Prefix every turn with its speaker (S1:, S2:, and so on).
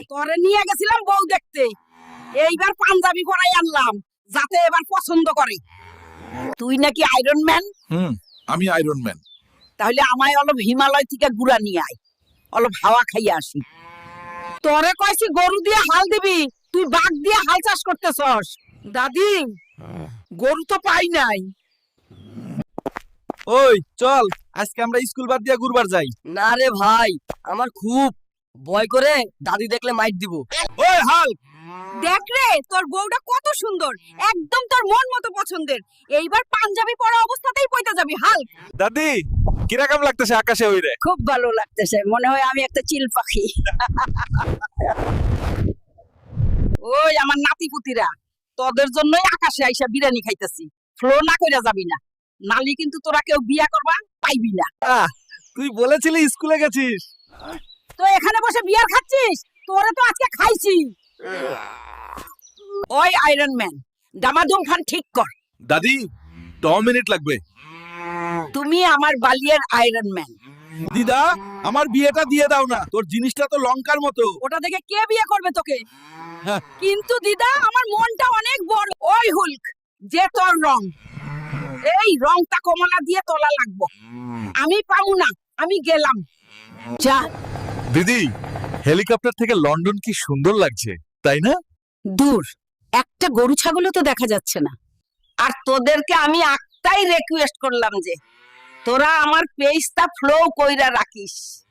S1: তোরে নিয়ে গেছিলাম বউ দেখতে, এইবার পাঞ্জাবি পরাই আনলাম যাতে এবার পছন্দ করে। তুই নাকি আয়রন ম্যান?
S2: আমি আয়রন ম্যান।
S1: তাহলে আমায় অলপ হিমালয় থেকে গুড়া নিয়ে আয়, অলপ হাওয়া খাইয়ে আসি। তোরে কইছি গরু দিয়ে হাল দিবি, তুই বাঘ দিয়ে হাল চাষ করতেছস। দাদি, গরু তো পাই নাই।
S3: ওই চল, আজকে আমরা স্কুল বাদ দিয়া ঘুরবার যাই।
S4: না রে ভাই, আমার খুব ভয় করে, দাদি দেখলে মাইট দিব।
S3: ওই হাল,
S1: দেখ রে, তোর বউটা কত সুন্দর, একদম তোর মন মতো পছন্দের। এইবার পাঞ্জাবি পরা অবস্থাতেই পয়টা যাবি হাল।
S3: দাদি কিরকম লাগতেছে আকাশে ওইরে?
S1: খুব ভালো লাগতেছে, মনে হয় আমি একটা চিল পাখি। ওই আমার নাতিপুতিরা, তোদের জন্যই আকাশে আইসা বিরিয়ানি খাইতেছি। ফ্লো না কইরা যাবি না, নালি কিন্তু তোরা কেউ বিয়া করবা পাইবি না।
S3: তুই বলেছিলি স্কুলে গেছিস।
S1: তো এখানে বসে বিয়ার খাচ্ছিস, তোরে তো আজকে খাইছি। ওই আয়রন ম্যান, দামাদুম খান ঠিক কর।
S2: দাদি 10 মিনিট লাগবে।
S1: তুমি আমার বালিয়ের আয়রন ম্যান।
S2: দিদা, আমার বিয়েটা দিয়ে দাও না, তোর জিনিসটা তো লঙ্কার মতো।
S1: ওটা দেখে কে বিয়ে করবে তোকে?
S2: হ্যাঁ।
S1: কিন্তু দিদা, আমার মনটা অনেক বড়। ওই হুলক, যে তোর রং, এই রংটা কমলা দিয়ে তোলা লাগবো। আমি পাবো না, আমি গেলাম। যা।
S2: দিদি, হেলিকপ্টার থেকে লন্ডন কি সুন্দর লাগছে, তাই না?
S1: দূর, একটা গরু ছাগলও তো দেখা যাচ্ছে না। আর তোদেরকে আমি একটাই রিকোয়েস্ট করলাম যে তোরা আমার পেজটা ফ্লো কইরা রাখিস।